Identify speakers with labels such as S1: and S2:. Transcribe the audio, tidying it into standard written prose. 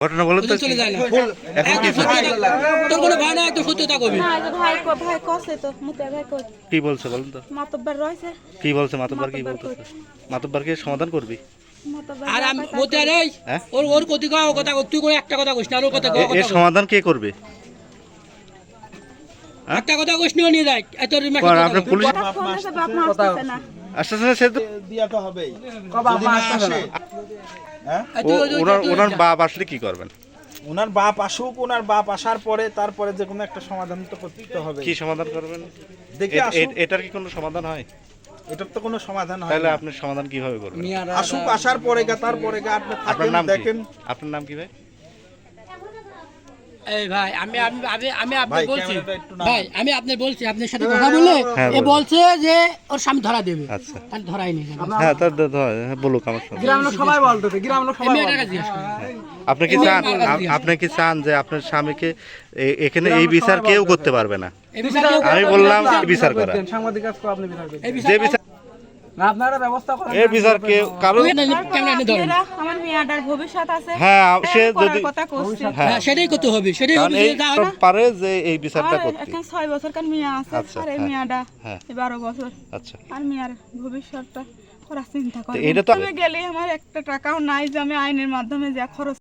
S1: ঘটনা বলো তো।
S2: চলে যায় না এখন কি তোর কোনো ভাই না একটু সত্যতা কবি
S3: না ভাই ভাই কসে তো মুতে ভাই কই
S1: কি বলছে বলুন তো।
S3: মাতব্বর রইছে
S1: কি বলছে মাতব্বর, কি বলতেছে? মাতব্বরকে সমাধান করবি?
S3: মাতব্বর
S2: আর আমি মতে রে
S1: হ্যাঁ?
S2: ওর কতি কও কথা তুই কোনো একটা কথা কইস না আর ওর কথা কও
S1: এর সমাধান কে করবে?
S2: একটা কথা কইস নিও নিয়ে যাই এত
S1: আপনার পুলিশ
S3: ফোন আছে বাপ মা আসছে না
S1: আসতেছে না, সে তো
S4: দিয়া তো হবেই যদি না আসে হ্যাঁ
S1: ওনার বাপ আসলে কি করবেন?
S4: ওনার বাপ আসুক, ওনার বাপ আসার পরে তারপরে যে কোনো একটা সমাধান তো করতে হবে।
S1: কি সমাধান করবেন?
S4: দেখে আসুক,
S1: এটার কি কোনো সমাধান হয়?
S4: এটার তো কোনো সমাধান হয়
S1: তাহলে
S4: না।
S1: আপনি সমাধান কিভাবে করবেন?
S4: আসুক, আসার পরে তারপরে আপনি
S1: আপনার
S4: থাকেন
S1: নাম কি?
S4: দেখেন।
S1: আপনার নাম কি ভাই?
S2: এই ভাই আমি আমি আমি আপনি
S4: ভাই,
S2: বলছি
S4: ক্যামেরাটা একটু না।
S2: ভাই আমি আপনার বলছি আপনার সাথে কথা বলে
S1: হ্যাঁ,
S2: এ
S1: বলুন।
S2: বলছে যে ওর স্বামী ধরা দেবে
S1: আচ্ছা।
S2: তার ধরাই নেই
S1: হ্যাঁ, তার বলুক আমার সাথে।
S5: গ্রামের লোক সবাই বলতেছে, গ্রামের লোক সবাই
S2: মেয়েটাকে জিজ্ঞেস করুন।
S1: আপনি কি চান, আপনি কি চান যে আপনার স্বামীকে এখানে এই বিচার কেউ করতে পারবে না?
S2: এই বিচার কেউ
S1: আমি বললাম বিচার করা,
S5: সাংবাদিক কাজ করে আপনি বিচার করবেন।
S2: এই
S1: যে
S2: বিচার
S1: বিচার
S5: না আপনারা ব্যবস্থা করেন।
S1: এর বিচার কেউ কারো।
S2: ক্যামেরা নিয়ে ধরেন
S3: আমার মেয়েটার ভবিষ্যৎ আছে
S1: হ্যাঁ, সে
S3: করার
S1: যদি
S3: কথা কইছে
S2: হ্যাঁ সেটাই করতে হবে সেটাই
S1: কারণ
S2: হবে
S1: এই
S2: যে যা হয় না।
S1: পারে যে এই বিচারটা
S3: আর
S1: করতে।
S3: এখন 6 বছর কার মেয়ে আছে
S1: আচ্ছা,
S3: আর এই
S1: হ্যাঁ,
S3: মেয়েটা
S1: হ্যাঁ।
S3: 12 বছর
S1: আচ্ছা,
S3: আর মেয়ের ভবিষ্যৎটা করার চিন্তা
S1: তো
S3: করে
S1: এটা তো-
S3: আমি গেলে আমার একটা টাকাও নাই যে আমি আইনের মাধ্যমে যা খরচ